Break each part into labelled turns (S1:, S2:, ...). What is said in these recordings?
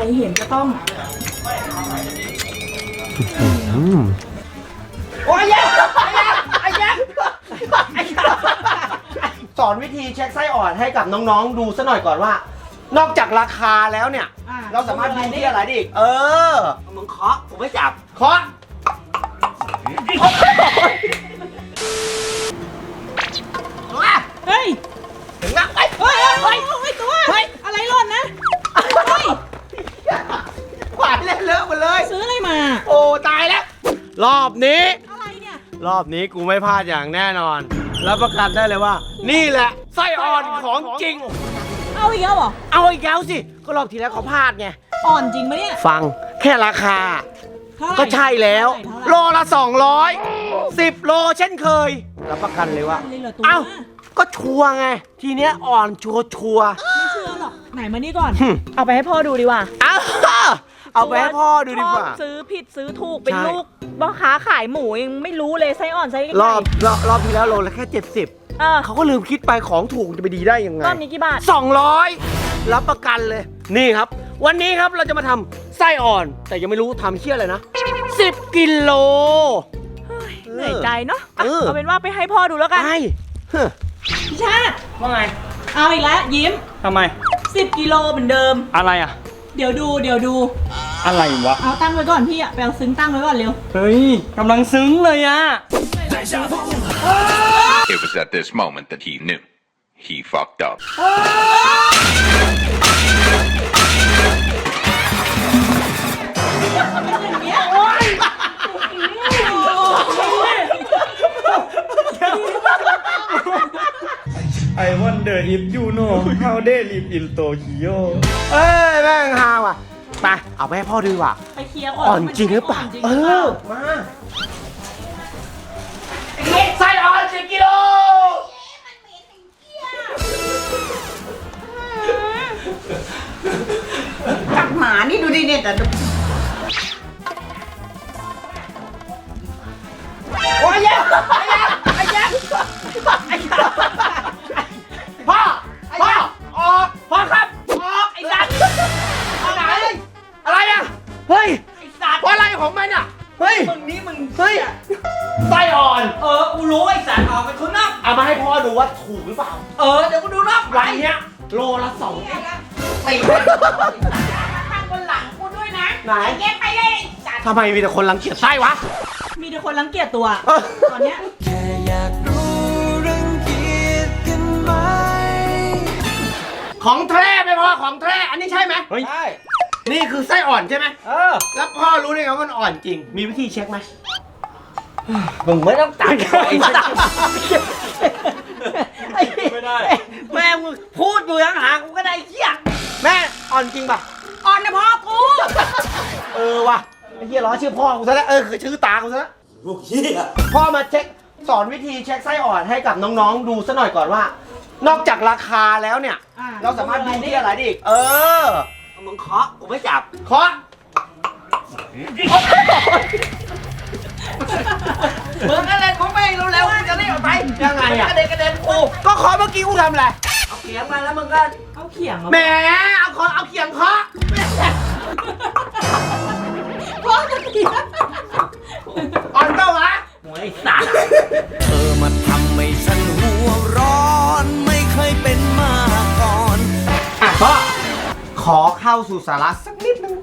S1: รเห็นก็ต้อง
S2: โอ้ยแย่ไอ้แย่สอนวิธีเช็คไส้อ่อนให้กับน้องๆดูซะหน่อยก่อนว่า นอกจากราคาแล้วเนี่ยเราสามารถดูที่อะไรได้อีกมึงเคาะผมไม่จับเคาะ
S1: เฮ้ย
S2: งับไป
S1: เฮ้ยตัวเฮ้ยอะไรหล่นนะเฮ้ย
S2: ขวานเล่นเลอะหมดเลย
S1: ซื้ออะไรมา
S2: โอ้ตายแล้วรอบนี้
S1: อะไรเนี่ย
S2: รอบนี้กูไม่พลาดอย่างแน่นอนรับประกันได้เลยว่านี่แหละไส้อ่อนของจริง
S1: เอาอีกแล้วเหรอ
S2: เอาอีกแล้วสิก็รอบที่แล้วเขาพลาดไง
S1: อ่อนจริงไหมเนี่ย
S2: ฟังแค่ราคาก็ใช่แล้วโลละ200 10 โลเช่นเคยรับประกันเลยว่าเอ้าก็ชัวร์ไงทีเนี้ยอ่อนชัวร์
S1: ไม่เชื่อหรอกไหนมานี่ก่อนเอาไปให้พ่อดูดีกว่า
S2: เอาไปให้พ่อดูดีกว่า
S1: ซื้อผิดซื้อถูกเป็นลูกพ่อค้าขายหมูยังไม่รู้เลยไส้อ่อนไส้ไก่
S2: รอบที่แล้วโลละแค่70เขาก็ลืมคิดไปของถูกจะไปดีได้ยังไง
S1: รอบนี้กี่บาท
S2: 200รับประกันเลยนี่ครับวันนี้ครับเราจะมาทำไส้อ่อนแต่ยังไม่รู้ทำเชี่ยอะไรนะ10 กิโล
S1: เหนื่อยใจเนาะเอาเป็นว่าไปให้พ่อดูแล้วกันพี่ชาติ
S3: ว่าไง
S1: เอาอีกแล้วยิ้ม
S3: ทำไม
S1: 10 กิโลเหมือนเดิม
S3: อะไรอ่ะ
S1: เดี๋ยวดู
S3: อะไรวะ
S1: เอาตั้งไว้ก่อนพี่อะไปเอาซึ้งตั้งไว้ก่อนเร็ว
S3: เฮ้ยกำลังซึ้งเลยอ่ะ
S4: It was at this moment that he knew he fucked up
S3: ไอวันเดอร์อิฟยูโน่เฮาเดลิฟอินโตคิโย
S2: แม่งฮาว่ะไปเอาไปให้พ่อดูว่ะ
S1: ไปเคลียร์
S2: อ่อนจริงหรือเปล่ามาไส้อ่อน10 กิโล
S1: จับหมานี่ดูดิเนี่ยแต่
S2: โอ้ยแย่พ่อออกพ่อครับออกไอ้สัตว์อะไรอ่ะเฮ้ยไอ้สัตว์อะไรของมันอ่ะเฮ้ยมึงเฮ้ยไส้อ่อน
S1: กูรู้ไอ้สัตว์ออกเป็นคนนอก
S2: เอามาให้พ่อดูว่าถูกหรือเปล่า
S1: เดี๋ยวกูดูนอก
S2: วันเนี้ยโลละ2ตี
S1: ทางบนหลังกูด้วยนะ
S2: ไหน
S1: เก็บไปเลย
S2: ทำไมมีแต่คนรังเกียจไส้วะ
S1: มีแต่คนรังเกียจตัวตอนเนี้ย
S5: แค่อยากรู้รังเกียจกันไหม
S2: ของแท้ไม่พอของแท้อันนี้ใช่ไหม
S3: ใช่
S2: นี่คือไส้อ่อนใช่ไหมแล้วพ่อรู้ได้ไงว่ามันอ่อนจริงมีวิธีเช็คไหม
S3: มึงไม่ต้องตัด
S2: ไม่ได้แม่มึงพูดอยู่ห่างๆกูก็ได้เหี้ยแม่อ่อนจริงป่ะ
S1: อ่อนนะพ่อกู
S2: ว่ะไอ้เหี้ยล้อชื่อพ่อกูซะแล้วคือชื่อตากูซะแล้วลูกเหี้ยพ่อมาเช็คสอนวิธีเช็คไส้อ่อนให้กับน้องๆดูซะหน่อยก่อนว่านอกจากราคาแล้วเนี่ยเราสามารถดูที่อะไรได้อีกมึงเคาะกูไม่จับเคาะ
S1: มึงอะไรของไม่เร็วๆจะรีบออกไป
S2: ยังไงอะ
S1: กระเด็นกู
S2: ก็เคาะเมื่อกี้กูทำอะไร
S1: เอาเขียงมาแล้วมึงก็เอาเขียง
S2: แหมเอาเขียงเคาะ
S1: พ่อจะเขียง
S2: อ่อนเปล่าวะโอ้ยสัตว์
S5: มาทำให้ฉันหัวร้อนไม่เคยเป็นมาก่อน
S2: พ่อขอเข้าสู่สาระสักนิดนึง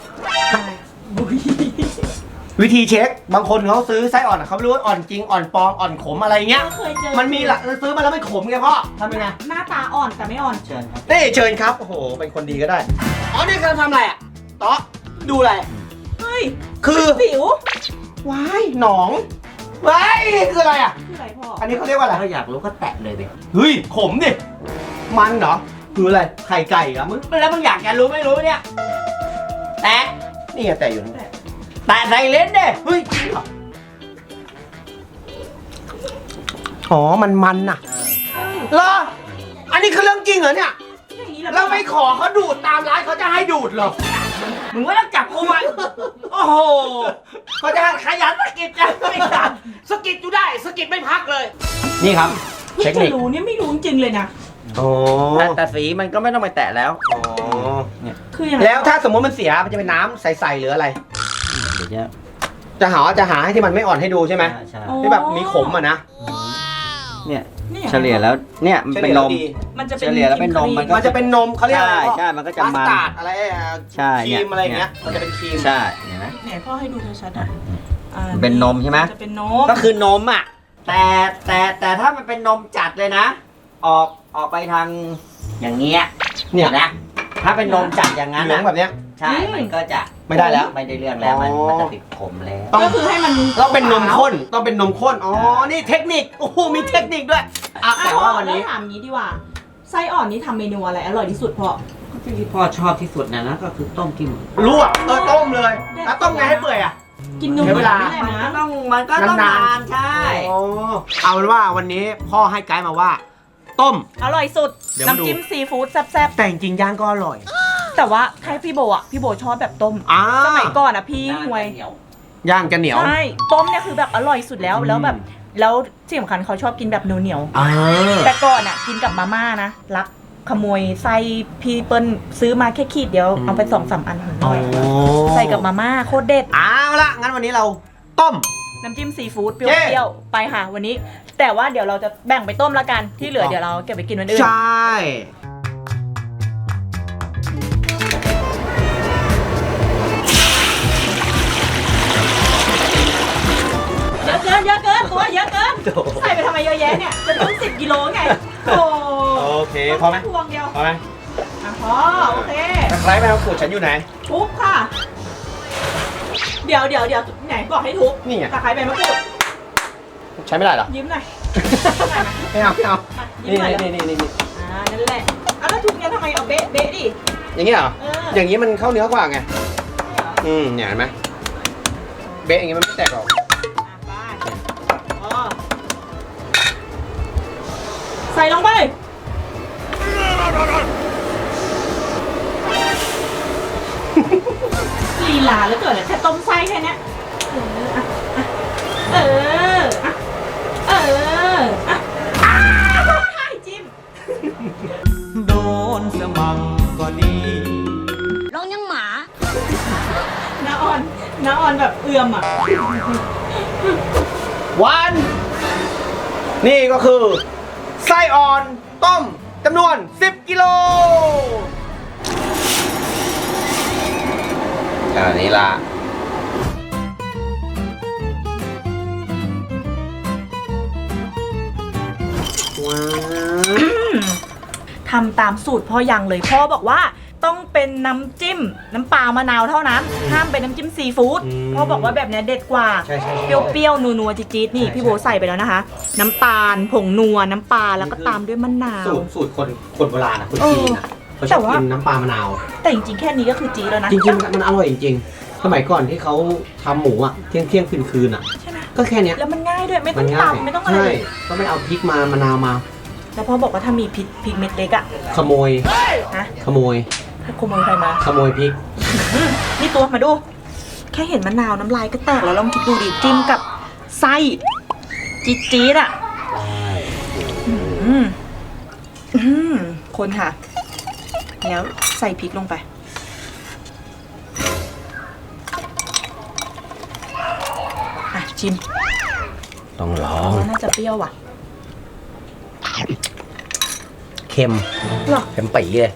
S2: วิธีเช็คบางคนเขาซื้อไส้อ่อนเขาไม่รู้ว่าอ่อนจริงอ่อนปลอมอ่อนขมอะไรเงี้ยมันมีหลักซื้อมาแล้วไม่ขมไงพ่อทำยังไง
S1: หน้าตาอ่อนแต่ไม่อ่อน
S2: เชิญครับเชิญครับโอ้โหเป็นคนดีก็ได้นี่กำลังทำอะไรอ่ะต๊อดูอะไร
S1: เฮ้ย
S2: คือ
S1: สิว
S2: ว้ายหนองว้ายคืออะไรอ่ะ
S1: คืออะไรพ่อ
S2: อันนี้เขาเรียกว่าอะไร
S3: ถ้าอยากรู้ก็แตะเลยดิ
S2: เฮ้ยขมดิมันเหรอคืออะไรไข่ไก่เหรอมึง
S3: แล้วมึงอยากจะรู้ไม่รู้เนี่ยแตะ
S2: นี่ไงแตะอยู่นี่
S3: แตะใส่เลนเด้
S2: เฮ้ยอ๋อมันน่ะเหรออันนี้คือเรื่องจริงเหรอเนี่ยเราไปขอเขาดูดตามร้านเขาจะให้ดูดเหรอ
S3: มึงไม่ต้องจับกูไว้
S2: โอ้โหเขาจะขยันสกิดจังไม่จับสกิดอยู่ได้สกิดไม่พักเลยนี่ครับ
S1: เทคนิครู้เนี่ยไม่รู้จริงเลยนะ
S3: แต่สีมันก็ไม่ต้องไปแตะแล้วเนี่ย
S1: คือยังไง
S2: แล้วถ้าสมมติมันเสียมันจะเป็นน้ำใสๆหรืออะไร
S3: เดี๋ยวจะ
S2: จะหาให้ที่มันไม่อ่อนให้ดูใช่ไหม
S3: ใช่
S2: ที่แบบมีขมอ่ะนะ
S3: เนี่ย
S1: นี่
S3: เฉลี่ยแล้วเนี่ยมันเป็นนม
S1: มันจะ
S3: เฉลี่ยแล้วเป็นนมมันก็
S2: มันจะเป็นนมเขาเรียกอะไร
S3: ใช่มันก็จะ
S2: มัส
S3: มัน
S2: ตาร์ดอะไร
S3: ใช่
S2: ครีมอะไรอย่างเงี้ยมันจะเป็นครีม
S3: ใช่เห็นไหม
S1: ไหนพ่อให้ดูชัดๆอ่ะ
S3: มันเป็นนมใช่ไหม
S1: จะเป็นนม
S3: ก็คือนมอ่ะแต่ถ้ามันเป็นนมจัดเลยนะ ออกไปทางอย่างเงี้ย
S2: เนี่ย
S3: นะถ้าเป็นนมจัดอย่างนั้น
S2: เหลือง
S3: นะ
S2: แบบเนี้ย
S3: ใช่มันก็จะ
S2: ไม่ได้แล้ว
S3: ไม่ได้เรื่องแล้วมัน
S2: อ๋อ
S3: มันจะติดขมแล้ว
S1: ก็คือให้มัน
S2: ต้องเป็นนมข้นต้องเป็นนมข้นอ๋อนี่เทคนิคโอ้โหมีเทคนิคด้วยอ่ะแต่ว่าวันนี้
S1: แล้ถามงี้ดีกว่าไส้อ่อนนี่ทำเมนูอะไรอร่อยที่สุดพ่อ
S3: ที่พ่อชอบที่สุดนะก็คือต้มจิ้ม
S2: ลวกต้มเลยแล้วต้มไงให้เปื่อยอ่ะ
S1: กินนม
S2: ใช้เวลา
S1: ไม่ได้
S3: มันก็
S1: นะ
S3: ต้องนานใช่
S2: อ๋อเอาเป็นว่าวันนี้พ่อให้ไกด์มาว่า ต้ม
S1: อร่อยสุด
S2: เดี๋ยวมาดู
S1: น้ำจิ้มซีฟู้ดแซ่บ
S2: แต่จริงๆย่างก็อร่อย
S1: ๆแต่ว่าให้พี่โบอ่ะพี่โบชอบแบบต้ม สมัยก่อนอ่ะพี่ห่วย
S2: ย่างจะเหนียว
S1: ใช่ต้มเนี่ยคือแบบอร่อยสุดแล้วแล้วแบบแล้วที่สำคัญเขาชอบกินแบบเหนียว
S2: อ่า
S1: ๆแต่ก่อนอ่ะกินกับมาม่านะรักขโมยไส้พี่เปิ้ลซื้อมาแค่ขีดเดียวเอาไป2-3 อันหน่อยใส่กับมาม่าโคตรเด็ด
S2: เอาละงั้นวันนี้เราต้ม
S1: น้ำจิ้มซีฟู้ดเป
S2: เย้
S1: รี้ยวๆไปค่ะวันนี้ แต่ว่าเดี๋ยวเราจะแบ่งไปต้มละกันที่เหลือเดี๋ยวเราเก็บไปกินวันอื่น
S2: ใช่
S1: เยอะเกินตัวเยอะเกินใส่ไปทำไมเยอะแยะเนี่ยจะต้อง10 กิโลไงโอ้
S2: โอเคพอไหม
S1: พวงเดียว
S2: พอไหม
S1: อ่ะพอโอเค
S2: ตะไคร้แมวขูดฉันอยู่ไหน
S1: ทุบค่ะ เดี๋ยวไหนบอกให้ทุบ
S2: นี่ไง
S1: ตะไคร้ใบมะกรูด
S2: ใช้ไม่ได้เหรอ
S1: ยิ้มหน่อย
S2: ไม่เอาไม่เอา
S1: อ่ะยิ้
S2: นี่
S1: มหน่อย
S2: นี่
S1: นั่นแหละอ่ะแล้วทุบเนี่ยทำไมเอาเบ๊ะดิ
S2: อย่างนี้เหรอ
S1: เออ
S2: อย่างนี้มันเข้าเนื้อกว่าไงเนี่ยเห็นไหมเบ๊ะอย่างนี้มันไม่แตกหรอก
S1: ไปอ๋อใส่ลงไปลีลาแล้วเกิดอะไรแค่ต้มไส้แค่เนี้ยเอออ่ะเอออ่ะให้จิ้ม
S5: โดนสมังก็ดี
S1: น้าออนแบบเอื่อมอ่ะ
S2: วันนี่ก็คือไส้อ่อนต้มจำนวน10 กิโลอันนี้ละว้าว
S1: ทำตามสูตรพ่อยังเลยพ่อบอกว่าต้องเป็นน้ำจิ้มน้ำปลามะนาวเท่านั้นห้ามเป็นน้ำจิ้มซีฟู้ดพ่อบอกว่าแบบเนี้ยเด็ดกว่า
S2: ใช่
S1: เปรี้ยวๆนัวๆจี๊ดๆนี่พี่โบใส่ไปแล้วนะคะ น้ำตาลผงนัวน้ำปลาแล้วก็ตามด้วยมะนาว
S2: สูตรคนโบราณนะคนจีนนะเขาชอบกินน้ำปลามะนาว
S1: แต่จริงๆแค่นี้ก็คือจี๊ดแล้วนะ
S2: จริงๆมันอร่อยจริงๆสมัยก่อนที่เขาทำหมูอ่ะเที่ยงคืนอ่ะ
S1: ใช่ไหม
S2: ก็แค่เนี้ย
S1: แล้วมันง่ายด้วยไม่ต้อง
S2: ง่าย
S1: ตำไม่ต้องอะไร
S2: ใช่
S1: เลย
S2: ก็ไม่เอาพริกมะนาวมา
S1: แล้วพ่อบอกว่าถ้ามีพริกเม็ดเล็กอะ
S2: ขโมย
S1: นะ
S2: ขโมย
S1: ถ้าขโมยใครมา
S2: ขโมยพริก
S1: นี่ตัวมาดู แค่เห็นมะนาวน้ำลายก็แตกแล้วลองคิดดูดิจิ้มกับไส้จี๊ดๆอ่ะคนค่ะ แล้วใส่พริกลงไปอ่ะชิม
S2: ต้องลอง
S1: น่าจะเปรี้ยวว่ะ
S2: เค็ม
S1: หรอ
S2: เค็มปีเลย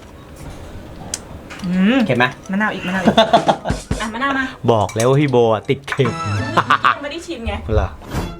S2: เค็มไหม
S1: มะนาวอีกอ่ะมะนาวมา
S2: บอกแล้วว่าพี่โบติดเค็ม
S1: ไม่ได้ชิมไง
S2: เหรอ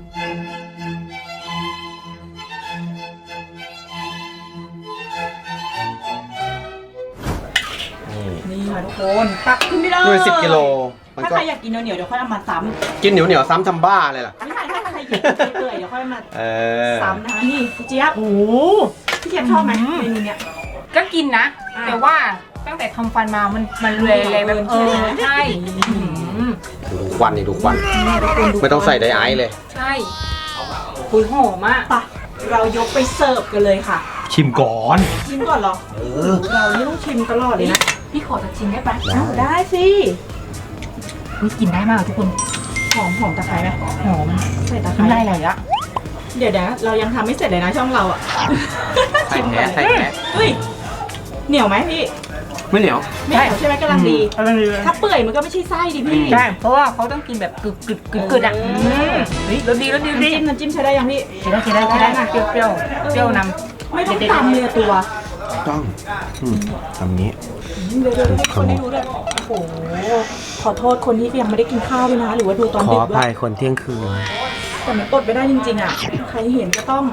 S1: นี่ค่ะทุกคนตักขึ้นไม่ได้
S2: ด้วย10 กิโลมัน
S1: ถ้า
S2: ก็
S1: ใครอยากกินเหนียวๆเดี๋ยวค่อยเอามาซ้ำ
S2: กินเหนียวซ้ำทำบ้าเลยล่ะ
S1: ไม่ใช่ถ้าใครอยากกินเปื่อยๆเดี๋ยวค่อยมา ซ้ำนะคะนี่พี่เจี๊ยบโอ้โหพี่เจี๊ยบชอบไหมเมนูเนี้ย
S6: ก็กินนะ
S1: อ่า
S6: แต่ว่าตั้งแต่ทำฟันมามันเลยแบบใช่
S2: ดูควันนี่ดูควัน ไม่ต้องใส่ไดไอซ์เลย
S6: ใช่คุยหอมอ่ะ
S1: ไปเรายกไปเสิร์ฟกันเลยค่ะ
S2: ชิมก่อน
S1: ชิมก่อนเหรอเรานี่ต้องชิมตลอดเลยนะ
S6: พี่ขอจะชิมได้ปะ
S1: อ้าวได้สิ
S6: นี่กินได้มากทุกคน
S1: หอมตะไคร้ไหม
S6: หอม
S1: ใส่ตะไค
S6: กินได้
S1: ร้
S6: เลยอะ
S1: เดี๋ยวนะเรายังทำไม่เสร็จเลยนะช่องเราอ่ะ
S2: ใส่แท้
S1: เฮ้ยเหนียวไหมพี่
S2: ไม่เหนียว
S1: ไม่เหนียวใช่ไหมกำลังดี
S6: กำลังดีเลย
S1: ถ้าเปื่อยมันก็ไม่ใใช่ไส้ดิพี่
S6: ใช่เพราะว่าเขาต้องกินแบบกึดอ่ะเฮ้ยรสดีรสดีรสดี
S1: น้ำจิ้มใช้ได้ยังพี่
S6: กินได้นะเปรี้ยวเปรี้ยวนำ
S1: ไม่ต้องตำเลยตัว
S2: ต้องทำนี้
S1: เดี๋ยวให้คนได้รู้ด้วยโอ้โหขอโทษคนที่ยังไม่ได้กินข้าวด้วยนะหรือว่าดูตอน
S2: ขอ
S1: ดึก
S2: อ
S1: ด้ว
S2: ภั
S1: ย
S2: ยคนเที่ยงคืน
S1: แต่มันอดไม่ได้จริงๆอ่ะใครเห็นก็ต้อง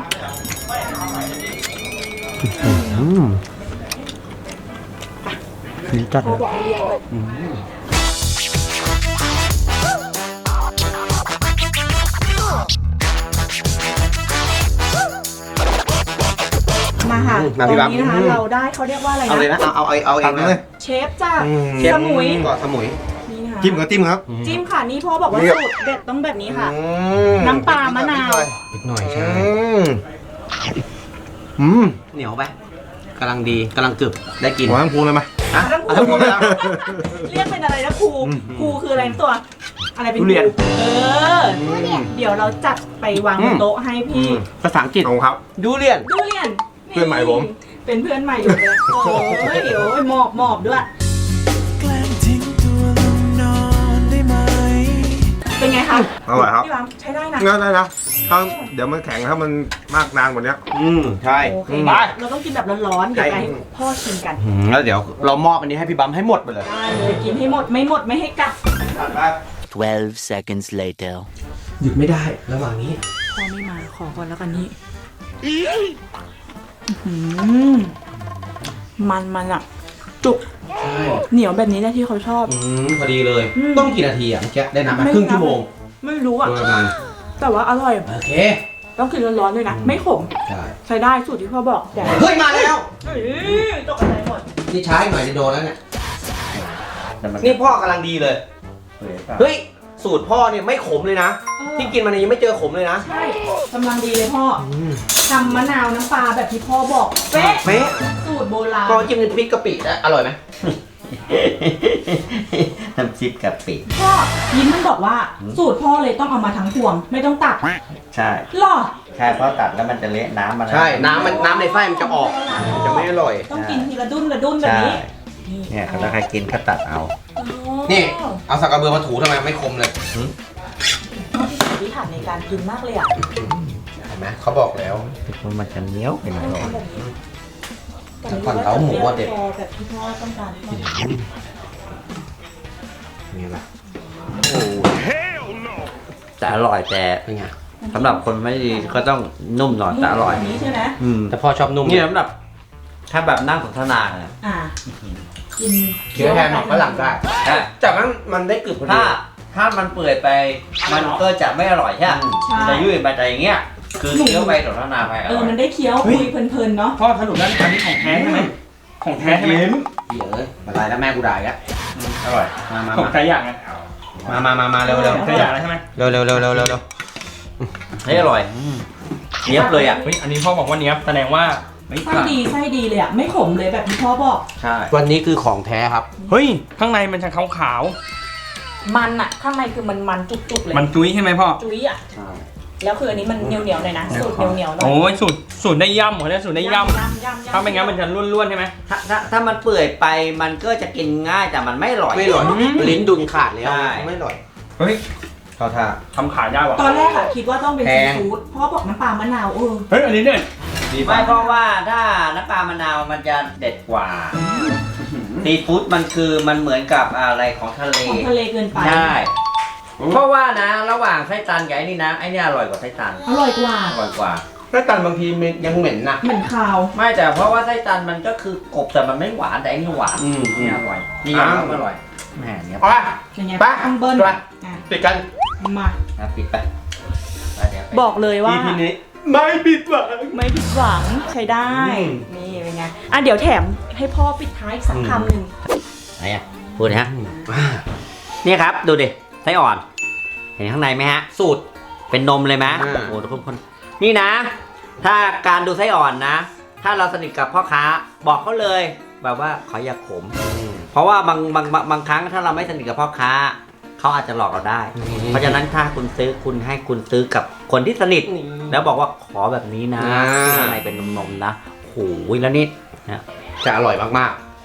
S2: นี่จัด
S1: เขาบอกให้เรียกเลยมาค่ะตอนนี้นะคะเราได้เขาเรียกว่าอะไร
S2: เอาเลยนะ
S1: นะ
S2: เอาเองเลย
S1: เชฟจาก
S2: เชฟ
S1: สมุย
S2: ก่อนสมุย
S1: นี่นะคะ
S2: จิ้มก็จิ้มครับ
S1: จิ้มค่ะนี่พ่อบอกว่า
S2: นี่
S1: สูตรเด็ดต้องแบบนี้ค่ะ น้ำปลามะนาว
S2: อีกหน่อยใช่เหนียวไปกำลังดีกำลังกรึบได้กินหัวทั้งพูเลยไหมอ่ะเอาทั้งพูเลย
S1: เรียกเป็นอะไรนะครูครูคืออะไรนะตัว อะไรเป็น
S2: ทุเรียน
S1: คเออเดี๋ยวเราจัดไปวางบนโต๊ะให้พี่
S2: ภาษาอังกฤษของครับดูเรียน
S1: ดูเรียน
S2: เพื่อนใหม่ผม
S1: เป็นเพื่อนใหม่อยู่เลยโอ้ยเดี๋ยวหมอบด้วย
S5: แกล้งทิ้งตัวลงนอนได้ไหม
S1: เป็นไงคะ
S7: อร่อยครับ
S1: พี่วางใช้ได้นะ
S7: งั้นได้นะถ้าเดี๋ยวมันแข็งถ้ามันมากนานกว่านี้
S2: ใช่
S1: โอเค
S2: ไป
S1: เราต้องกินแบบร้อนๆเดี๋ยวไปให้พ่อชิมกัน
S2: แล้วเดี๋ยวเรามอบอันนี้ให้พี่บัมให้หมดไปเลย
S1: ได้เลยกินให้หมดไม่ให้กัด
S5: 12 seconds later
S2: หยุดไม่ได้ระหว่างนี้
S1: พ่อไม่มาขอก่อนแล้วกันนี่มันอ่ะ จุก
S2: ใช่
S1: เหนียวแบบนี้แหละที่เขาชอบ
S2: พอดีเลย
S1: อืม
S2: ต้องกี่นาทีอ่ะเมื่อกี้ได้น้ำมา
S1: ไม่
S2: ครึ่งชั่วโมง
S1: ไม่รู้อ่ะ
S2: โดยประมาณ
S1: แต่ว่าอร่อย
S2: โอเค
S1: ต้องกินร้อนๆด้วยนะ ไม่ขม
S2: ใช่
S1: ใช้ได้สูตรที่พ่อบอกแต่
S2: เฮ้ยมาแล้ว
S1: ตกอะไรหมด
S2: นี่ช้าอีกหน่อยจะโดนแล้วเนี่ยนี่พ่อกำลังดีเลยเฮ้ยสูตรพ่อเนี่ยไม่ขมเลยนะ ที่กินมาเนี่ยยังไม่เจอขมเลยนะ
S1: ใช่กำลังดีเลยพ่อทำมะนาวน้ำปลาแบบที่พ่อบอกเป๊ะ
S2: เป๊ะ
S1: สูตรโบราณ
S2: พ่อจิ้มพริกกะปินะอร่อยไหม
S3: น้ำจิ้มกะปิ
S1: พ่อยิ้มมันบอกว่าสูตรพ่อเลยต้องเอามาทั้งพวง ไม่ต้องตัด
S3: ใช่
S1: หรอ
S3: ใช่เพราะตัดแล้วมันจะเละน้ำมัน
S2: ใช่น้ำในไส้มันจะออกมันจะไม่อร่อย
S1: ต้องกินทีละดุ้นแบบ
S3: ใช่
S1: นี้
S3: เนี่ยถ้าใครกินก็ตัดเอา
S2: นี่เอาสักกระเบือมาถูทำไมไม่คมเลย
S1: พิถันในการกินมากเลยอ่ะ
S2: เห็นไหมเขาบอกแล้ว
S3: มันจะเหนียวไปหน่อย
S1: ต้องทำแบบนี้
S2: แต่ก่อนเล้าหมูอะเด็ด
S1: พอแบบที่พ่อต้องการ
S2: นี่แหละ
S3: แต่อร่อยแต่
S2: เป็นไง
S3: สำหรับคนไม่ดีก็ต้องนุ่มหน่อยแต่อร่อย
S1: แบบนี้ใช่ไหม
S2: แต่พ่อชอบนุ่ม
S3: นี่สำหรับถ้าแบบนั่งสนทนาเนี่ย
S1: อ่ากิน
S2: เคี้ยวแทนหมักฝรั่งได้
S3: ใช่
S2: จากนั้นมันได้กรึบพอดี
S3: ถ้ามันเปื่อยไปมันก็จะไม่อร่อยใช่ไหมมันจะยุ่ยไปแต่อย่างเงี้ยคือเคี้ยวไปสนทนาไปอร่อย
S1: มันได้เคี้ยวคุยเพลินๆเนาะ
S6: พ่อสรุปแล้วอันนี้ของแท้ใช่ไหมของแท้ใช่ไหม
S2: เดี๋ยวเอ้ยมาลายแล้วแม่กูด่าอีกแล้ว
S3: อร่อย
S2: มา
S6: ของใครอย่างไง
S2: เร็ว
S6: ใครอย่างแล้วใช่ไหม
S2: เร็วเร็วเร็วเร็วเร็วเร็ว
S3: เฮ้ยอร่อยเนียบเลยอ่ะ
S6: เฮ้ยอันนี้พ่อบอกว่าเนี้ยแสดงว่าไม่
S1: ไส้ดีเลยอ่ะไม่ขมเลยแบบที่พ่อบอก
S3: ใช่
S2: วันนี้คือของแท้ครับ
S6: เฮ้ยข้างในมันจะขาว
S1: มันอ่ะข้างในคือมันจุกๆเลย
S6: ๆมันจุ้ยใช่ไหมพ่อ
S1: จุ้ยอ่ะแล้วคืออันนี้มันเหนียวๆหน่อยนะสูตรเหนียวๆหน่อย
S6: โอ้ยสูตรได้ย่ำเหรอเนี่ยสูตรได้ย่ำถ้าไม่งั้นมันจะร่วนๆใช่ไหม
S3: ถ้ามันเปื่อยไปมันก็จะกินง่ายแต่มันไม่อร่อย
S2: ไม่อร่อยลิ้นดุนขาดแล้ว
S3: ใช่
S2: ไม่อร่อย
S6: เฮ้ย
S2: เข้าท่า
S6: ทำขายได้ว่ะ
S1: ตอนแรกอะคิดว่าต้องเป็น
S2: แพ
S1: ซี
S2: ง
S1: ฟู้ดพ่อบอกน้ำปลามะนาว
S6: เฮ้ยอันนี้เนี่ย
S3: ไม่เพราะว่าถ้าน้ำปลามะนาวมันจะเด็ดกว่าซีฟู้ดมันคือมันเหมือนกับอะไรของทะเล
S1: ของทะเลเกินไป
S3: ใช่เพราะว่านะระหว่างไส้ตันกับไอ้นี่นะไอ้นี่อร่อยกว่าไส้ตัน
S1: อร่อยกว่า
S3: อร่อยกว่า
S2: ถ้าตันบางทีมันยังเหม็นนะ
S1: เหมือนคาว
S3: ไม่แต่เพราะว่าไส้ตันมันก็คือกบแต่มันไม่หวานแต่อันนี้หวาน นี่อร่อยนี่ยังอร่อยแหมเนี่ย
S2: เอาไป
S1: อย่างเงี้ย
S2: ไป
S1: ต้องเบิ้ล
S2: ไป
S1: อ่ะ
S2: ปิดกัน
S1: มา
S3: นะปิดไปไปเดี๋ยวไป
S1: บอกเลยว่า
S2: EP นี้ไม่ผิดหวัง
S1: ไม่ผิดหวังใช้ได้ นี่เป็นไงอ่ะเดี๋ยวแถมให้พ่อปิดท้ายอีกสักคำหนึ่ง
S3: ไหนอ่ะพูดนะฮะนี่ครับดูดิไส้อ่อน เห็นข้างในไหมฮะ สูตรเป็นนมเลยไหมโอ้โหทุกคนนี่นะ ถ้าการดูไส้อ่อนนะ ถ้าเราสนิทกับพ่อค้าบอกเขาเลยแบบว่าขออย่าขม เพราะว่าบางครั้งถ้าเราไม่สนิทกับพ่อค้าเขาอาจจะหลอกเราได้ เพราะฉะนั้นถ้าคุณซื้อคุณให้คุณซื้อกับคนที่สนิท แล้วบอกว่าขอแบบนี้นะข้างในเป็นนมๆนะโอ้โหแล้วนี่นะ
S2: จะอร่อยมาก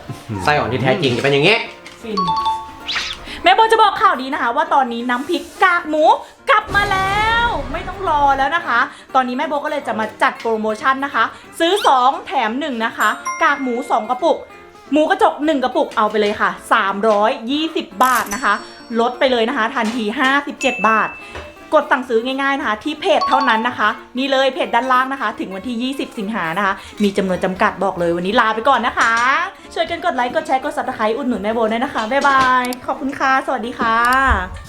S2: ไส้อ่อนที่แท้จริงจะเป็นอย่างงี้
S1: ฟินแม่โบจะบอกข่าวดีนะคะ ว่าตอนนี้น้ำพริกกากหมูกลับมาแล้ว ไม่ต้องรอแล้วนะคะ ตอนนี้แม่โบก็เลยจะมาจัดโปรโมชั่นนะคะ ซื้อ 2 แถม 1 นะคะ กากหมู 2 กระปุก หมูกระจก 1 กระปุกเอาไปเลยค่ะ320 บาทนะคะลดไปเลยนะคะทันที57 บาท กดสั่งซื้อง่ายๆนะคะที่เพจเท่านั้นนะคะนี่เลยเพจด้านล่างนะคะ ถึงวันที่ 20 สิงหานะคะมีจำนวนจำกัดบอกเลยวันนี้ลาไปก่อนนะคะช่วยกันกดไลค์กดแชร์กด Subscribe อุดหนุนแม่โบด้วยนะคะบ๊ายบายขอบคุณค่ะสวัสดีค่ะ